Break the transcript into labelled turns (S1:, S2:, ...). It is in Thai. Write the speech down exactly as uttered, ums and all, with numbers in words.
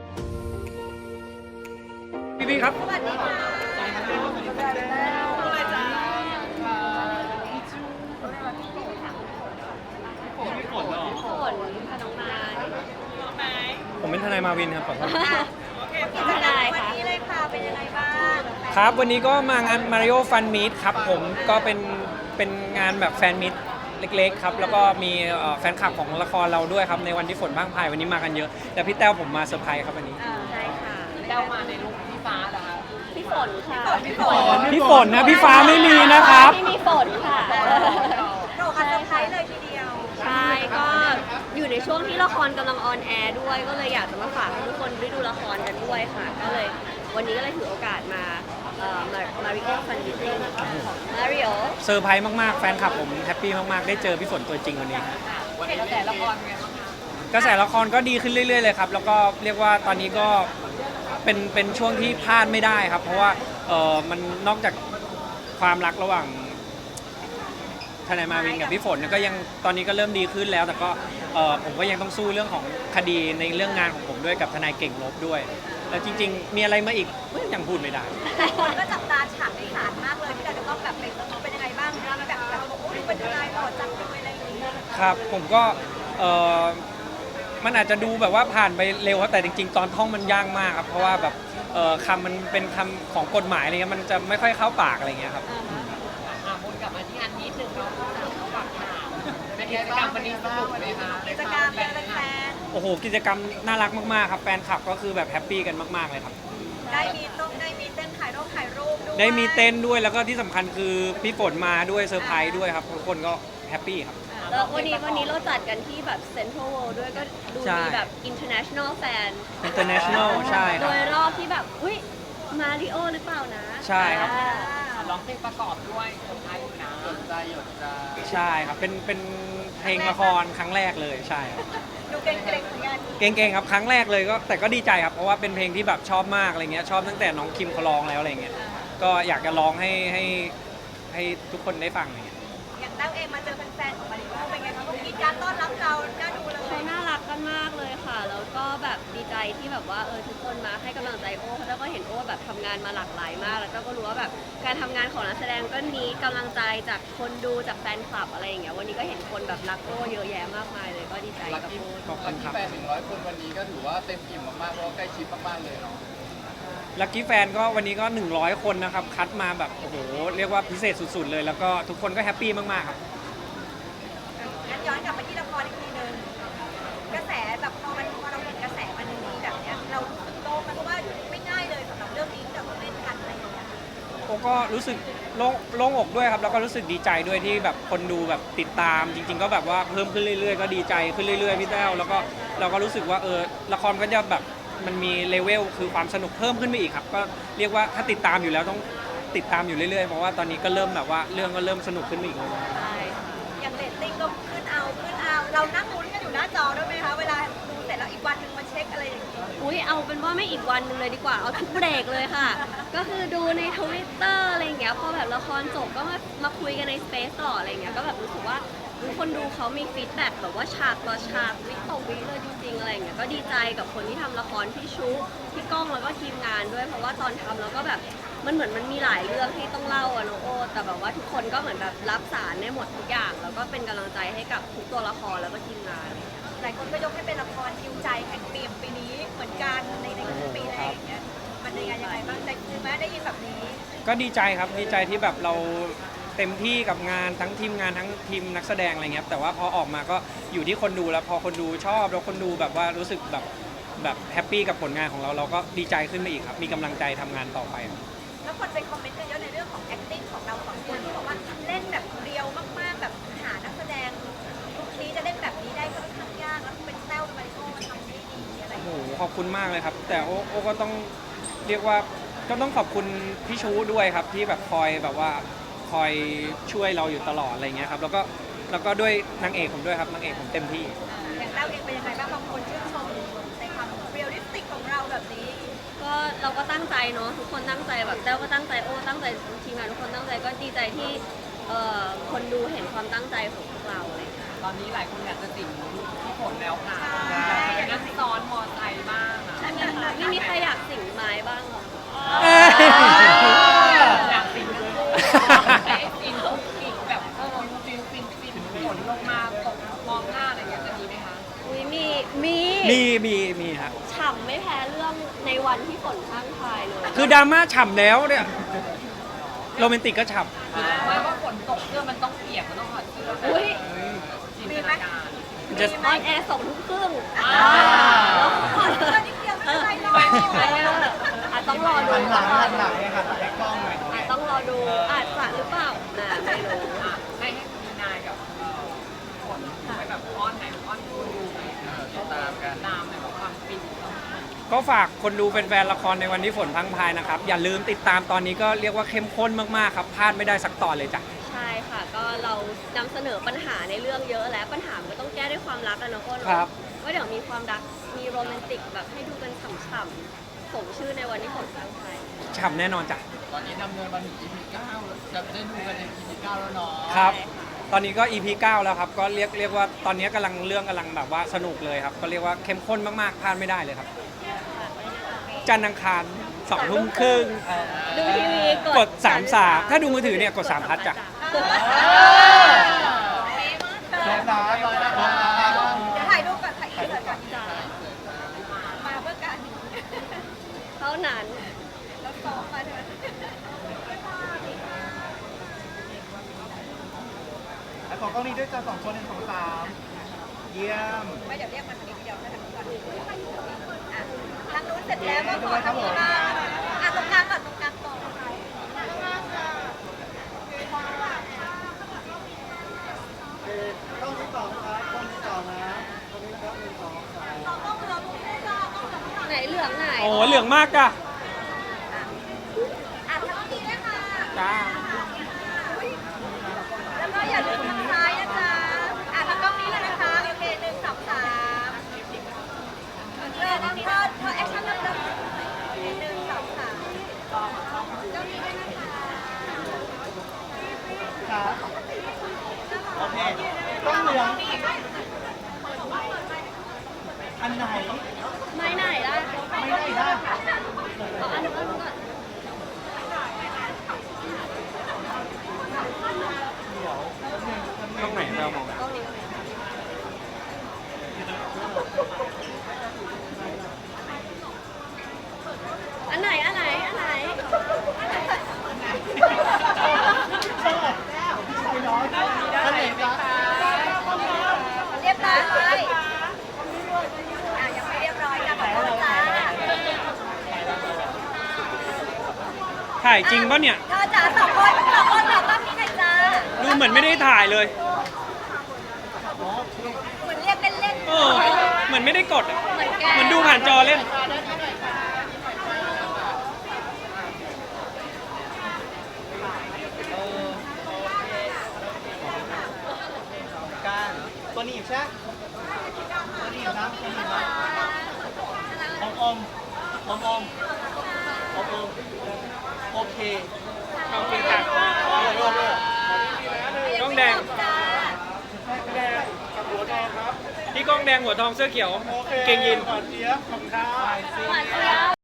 S1: พี่พี่ครับ
S2: สวัสดีค่ะอะไรจ้า
S1: พี่ฝนเหรอ
S3: ฝนค่ะน้องไม้
S2: ไหม
S1: ผมเป็นทนายมาวินครับขอโทษ
S2: โอเคกิจกรรมวันนี้เลยค่ะเป็นยังไงบ้าง
S1: ครับวันนี้ก็มางาน Mario Fun Meet ครับผมก็เป็นเป็นงานแบบแฟนมิตเล็กๆครับแล้วก็มีเอ่อแฟนคลับของละครเราด้วยครับในวันที่ฝนพรั่งพรายวันนี้มากันเยอะแต่พี่แต้วผมมาเซอร์ไพรส์ครับวันนี้
S3: ใช่ค่ะ
S2: แต้วมาในลุคพี่ฟ้าเหรอคะ
S3: พี่ฝนค่ะ
S2: พี่ฝน
S1: พี่ฝนนะพี่ฟ้าไม่มีนะครับ
S3: ไม่มีฝนค่ะ
S2: โดดกันเซอร์ไพรส์เลยทีเดียว
S3: ใช่ก็อยู่ในช่วงที่ละครกำลังออนแอร์ด้วยก็เลยอยากจะมาฝากให้ทุกคนได้ดูละครกันด้วยค่ะ ก็เลยวันนี้ก็เลยถือโอกาสมาเอ่อมามาริโอฟันดิติ้งของมาริโอ
S1: เซอร์ไพรส์มากๆแฟนคลับผมแฮปปี้มากๆได้เจอพี่ฝนตัวจริงวันนี้
S2: วันนี้แต่ละครไงบ้างคะ
S1: กระแสละครก็ดีขึ้นเรื่อยๆเลยครับแล้วก็เรียกว่าตอนนี้ก็เป็นเป็นช่วงที่พลาดไม่ได้ครับ เพราะว่าเออมันนอกจากความรักระหว่างทนายมาวินกับพี่ฝนเนี่ยก็ยังตอนนี้ก็เริ่มดีขึ้นแล้ว แต่ก็เออผมก็ยังต้องสู้เรื่องของคดีในเรื่องงานของผมด้วยกับทนายเก่งลบด้วย แล้วจริงๆ มีอะไรมาอีกยังพูดไม่ได้
S2: คนก็จับตาฉากในศาลมากเลยที่เราจะต้องแบบเป็นเป็นยังไงบ้างแบบแบบโอ้ยเป็นยังไงหล่อจังเลยอะไรอย่างเงี้ย
S1: ครับผมก็เออมันอาจจะดูแบบว่าผ่านไปเร็วครับแต่จริงๆ ตอนท่องมันยากมากครับเพราะว่าแบบเออคำมันเป็นคำของกฎหมายอะไรเงี้ยมันจะไม่ค่อยเข้าปากอะไรเงี้ยครับ
S4: อ่ะวนกลับมาที่งานนิดนึงเนาะเขาฝากถามเป็นกิจกรรมวันนี้สนุกไหมคะ
S2: กิจกรรมเป็นแฟน
S1: โอ้โหกิจกรรมน่ารักมากๆครับแฟนคลับก็คือแบบแฮปปี้กันมากๆเลยครับ
S2: ได้มีต้องได้มีเต้นถ่ายรูปถ่ายรูปด้วย
S1: ได้มีเต้นด้วยแล้วก็ที่สำคัญคือพี่ฝนมาด้วยเซอร์ไพรส์ด้วยครับทุกคนก็แฮปปี้ครับ
S3: แล้ววันนี้วันนี้เราจัดกันที่แบบเซ็นทรัลเวิลด์ด้วยก็ดู
S1: ใช่
S3: มีแบบ international fan
S1: international ใช่ค
S3: โด
S1: รับ
S3: ยรอบที่แบบอุ้ยมาริโอหรือเปล่านะ
S1: ใช่ครับ
S3: อ่า
S4: ร้องเพลงประกอบด้วยคนไทยอยู่นะสนใจหยดใจ
S1: ใช่ครับเป็นเป็นเพลงละครครั้งแรกเลยใช่ครับ
S2: ดูเก่งๆเหมือนกัน
S1: เก่งๆครับครั้งแรกเลยก็แต่ก็ดีใจครับเพราะว่าเป็นเพลงที่แบบชอบมากอะไรเงี้ยชอบตั้งแต่น้องคิมเขาร้องแล้วอะไรเงี้ยก็อยากจะร้องให้ให้ให้ทุกคนได้ฟังอะไรเงี้ย
S2: อย่างแต้วเองมาเจอแฟนๆของมาริโอเป็นไงคะเขากินการต้อนรับเราน่าดูเลย
S3: เขาน่ารักกันมากเลยค่ะ แล้วก็แบบดีใจที่แบบว่าเออทุกคนมาให้กำลังใจโอ้แล้วก็เห็นโอ้แบบทำงานมาหลากหลายมาก แล้วก็รู้ว่าแบบการทำงานของนักแสดงก็นี้กำลังใจจากคนดูจากแฟนคลับอะไรอย่างเงี้ยวันนี้ก็เห็นคนแบบรักโอ้เยอะแยะมากมายเลยก็ดีใจกับโอ้
S1: ขอบคุณครับ
S4: แฟนหนึ่งร้อยคนวันนี้ก็ถือว่าเต็มอิ่มมากๆเพราะว่าใกล้ชิดมากๆเลยเนาะ
S1: ลัคกี้แฟนก็วันนี้ก็หนึ่งร้อยคนนะครับคัดมาแบบโอ้โหเรียกว่าพิเศษสุดๆเลย แล้วก็ทุกคนก็แฮปปี้มากๆครับ
S2: งั้นย้อนกลับไปที่ละครอีกทีนึงกระแสแบบพอมันพอเราเห็นกระแสมันมีแบบเนี้ยเรารู้สึกโล่งมันเพราะว่าไม่ง่ายเลยสำหรับเรื่องนี้ที่เราต้องเล่นกันอะไรอย่างเงี้ย
S1: โอ้ก็รู้สึกโล่งโล่งอกด้วยครับแล้วก็รู้สึกดีใจด้วยที่แบบคนดูแบบติดตาม จริง ๆ ก็แบบว่าเพิ่มขึ้นเรื่อยๆก็ดีใจขึ้นเรื่อยๆพี่แต้วแล้วก็เราก็รู้สึกว่าเออละครก็จะแบบมันมีเลเวลคือความสนุกเพิ่มขึ้นไปอีกครับก็เรียกว่าถ้าติดตามอยู่แล้วต้องติดตามอยู่เรื่อยๆเพราะว่าตอนนี้ก็เริ่มแบบว่าเรื่องก็เริ่มสนุกขึ้นไปอีกแล้ว
S3: ใช่ค่ะ
S2: อย่างเรตติ้งก็ขึ้นเอาขึ้นเอาเรานั่งลุ้นกันอยู่หน้าจอด้วยไหมคะเวลาดูเสร็จแล้วอีกวันหนึ่งมาเช็คอะไรอย่างเงี้ย
S3: อุ้ยเอาเป็นว่าไม่อีกวันหนึงเลยดีกว่าเอาทุกเบรกเลยค่ะ ก็คือดูในทวิตเตอร์อะไรอย่างเงี้ยพอแบบละครจบก็มามาคุยกันในสเปซต่ออะไรอย่างเงี้ยก็แบบรู้สึกว่าทุกคนดูเขามีฟีดแบ็กแบบว่าฉากต่อฉากวิต่อวิเลยจริงๆอะไรอย่างเงี้ยก็ดีใจกับคนที่ทำละครพี่ชุพี่ก้องแล้วก็ทีมงานด้วยเพราะว่าตอนทำแล้วก็แบบมันเหมือนมันมีหลายเรื่องที่ต้องเล่าอะน้องโอแต่แบบว่าทุกคนก็เหมือนแบบรับสารได้หมดทุกอย่าง แล้วก็เป็นกำลังใจให้กับทุกตัวละครแล้วก็ทีมงาน
S2: หลายคนก็ยกให้เป็นละครฮิวใจแห่งปีปีนี้เหมือนกันในในปีแรกอย่างเงี้ยมันยังไงยังไงบ้างใจคือแม้ได้ยินแบบนี้
S1: ก็ดีใจครับดีใจที่แบบเราเต็มที่กับงานทั้งทีมงานทั้งทีมนักแสดงอะไรเงี้ยแต่ว่าพอออกมาก็อยู่ที่คนดูแล้วพอคนดูชอบแล้วคนดูแบบว่ารู้สึกแบบแบบแฮปปี้กับผลงานของเราเราก็ดีใจขึ้นไปอีกครับมีกำลังใจทำงานต่อไปครับ
S2: แล้วคนไปคอมเมนต์กันเยอะในเรื่องของ acting ของเราสองคนที่บอกว่าเล่นแบบเรียวมากๆแบบหานักแสดงทุกทีจะเล่นแบบนี้ได้ก็ค่อนข้างยากแล้วเป็นแต้วเป็นมาริโอมันทำได้ดีอะไรอย่าง
S1: โอ้
S2: เงี้ย
S1: โหขอบคุณมากเลยครับ แต่โอโอก็ต้องเรียกว่าก็ต้องขอบคุณพี่ชูด้วยครับที่แบบคอยแบบว่าคอยช่วยเราอยู่ตลอดอะไรเงี้ยครับแล้วก็แล้วก็ด้วยนางเอกผมด้วยครับนางเอกผมเต็มที่
S2: อย่างแต้วเองเป็นยังไงบ้างบางคนชื่นชมในความเรียลลิสติกของเราแบบนี้
S3: ก็เราก็ตั้งใจเนาะทุกคนตั้งใจแบบแต้วก็ตั้งใจโอ้ตั้งใจทีมงานทุกคนตั้งใจก็ดีใจที่เอ่อคนดูเห็นความตั้งใจของพวกเราอะไรอย่างเลย
S4: ตอนนี้หลายคนอยากจะสิงพี่ฝนแล้วค่ะ
S2: ใช่
S4: อยากจะเป็นนักซ้อนมอไซค์บ้างอ่ะ
S2: อันนั้นนะ
S3: มีใครอยากสิงไม้บ้างเหรอ
S1: เอ้ย
S4: อยากฟินทั้งคู่แต่ไอ้ฟินต้องฟินแบบเออฟินฟินฟินฝนลงมาตกมองหน้าอะไรอย่างเงี้ยจะมีไหมคะ
S3: อุ้ยมีมี
S1: มีมีมีครับ
S3: ฉ่ำไม่แพ้เรื่องในวันที่ฝนข้างทายเลย
S1: คือดราม่าฉ่ำแล้วเนี่ยโรแมนติกก็ฉ่
S4: คือไม่ว่าฝนตกเสื้อมันต้องเปียกมันต้องถอดเสื้อ
S3: อุ้ย
S4: จินตนาการ
S1: ำจะ
S3: ออนแอร์สองทุ่มครึ่ง
S4: อ่า
S2: ตัวนิดเดียวไม่เป็นไรหรอก
S3: อาจต้องรอดู
S5: หันหลังหันหลังเนี่ยค่ะแต่กล้องหน่อย
S3: อาจต้องรอดูอาจจะหรือเปล่าน่าไม่รู้
S4: อ่ะให้ให้มีนายกับเอ่อฝนไปแบบอ้อนไหนอ้อนดูดูไหม
S5: ตามกัน
S4: ตามในแบบความฟินของ
S1: ก็ฝากคนดูแฟนๆละครในวันที่ฝนพรังพรายนะครับ อย่าลืมติดตามตอนนี้ก็เรียกว่าเข้มข้นมากๆครับพลาดไม่ได้สักตอนเลยจ้ะ
S3: ใช่ค่ะ ก็เรานำเสนอปัญหาในเรื่องเยอะแล้วปัญหามันก็ต้องแก้ด้วยความรักอะเนาะก็
S1: ครับ
S3: ว่าเดี๋ยวมีความรักมีโรแมนติกแบบให้ดูกันฉ่ำๆสมชื่อในวันที่ฝนพรังพราย
S1: ฉ่ำแน่นอนจ้ะ
S5: ตอนนี้ดำเนินมาถึง อี พี เก้าจะได้ดูกันใน อี พี เก้าแล้วเนาะ
S1: ครับ ตอนนี้ก็ อี พี เก้าแล้วครับ ก็เรียกเรียกว่าตอนนี้กำลังเรื่องกำลังแบบว่าสนุกเลยครับ ก็เรียกว่าเข้มข้นมากๆพลาดไม่ได้เลยครับ จันทร์อังคารสองทุ่มครึ่ง
S3: ดูทีวี
S1: กดสามสามถ้าดูมือถือเนี่ยกดสามพัทจ้ะ
S5: พร้อมนะพร้อมนะพร้อมนะ
S2: เดี๋ยวถ่ายรูปก่อนถ่ายอินเสิร์ตก่อน
S3: จ้ะ
S2: มาเพื่อการ
S3: เท่านั้น
S2: แล้วซ้อมมาใช่ไหม
S5: แล้วขอกล้องนี้ด้วยจ้าสองคนหนึ่งสองสามเยี่ยม
S2: ไม่เดี๋ยวเรียกมาทางนี้เดียวนะทางนี้ก่อนอ่ะทางนู้นเสร็จแล้วก็ขอทางนี้บ้างอ่ะตรงกลางก่อนตรงกลางก่อน
S5: ต้องที่สองครับต้องที่สองนะตรงนี้นะครับหนึ่งสองสาม
S2: ต้องเหลือมุมนี้จ้าต้องเหลือมุม
S3: ไหนเหลืองไหน
S1: โอ้โหเหลืองมากจ้ะ
S2: อ่ะทางนี้ด้วยค่ะ
S1: จ้า
S2: แล้วก็อย่าลืมทางซ้ายนะจ๊ะอ่ะทางกล้องนี้เลยนะคะโอเคหนึ่งสองสามเออเธอเธอแอคชั่นเริ่มหนึ่งสองสามกล้องนี้ด้วยนะคะ
S5: ครับโอเคต้องเหลืองอันไหน
S3: ไม้ไหนได้
S5: ไม่ได้ได้
S3: เอาอันนู้นอันนู้นก่อน
S1: ต้องไหนเรามอง
S3: กล้องนี้ก่อนอันไหนอันไหนอันไหน
S5: อันไหนจ๊ะ
S2: เรียบร้อยอ่ะยังไม่เรียบร้อยจ้ะขอโทษจ้า
S1: ถ่ายจริงปะเนี่ย
S2: เธอจ๋าสองคนสองคนขอกล้องนี้หน่อยจ้า
S1: ดูเหมือนไม่ได้ถ่ายเลย
S2: เหมือนเรียกเล่น
S1: เออ เหมือนไม่ได้กดอะ
S3: เหมือนแก
S1: เหมือนดูผ่านจอเล่น
S5: การตัวหนีบใช่ไหมตัวหนีบนะตัวหนีบนะอมอมอมอมอมอมโอเค
S1: ขอบคุณค่ะ
S5: โลกโลก
S2: ๆ
S1: กล้องแดง
S2: จ้า
S5: แดงกับหัวแดงครับ
S1: พี่ก้องแดงหัวทองเสื้อเขียว
S5: โอเค
S1: เกงยีน
S5: หวานเจี๊ยบขอบคุณครับ
S3: หวานเจี๊ยบ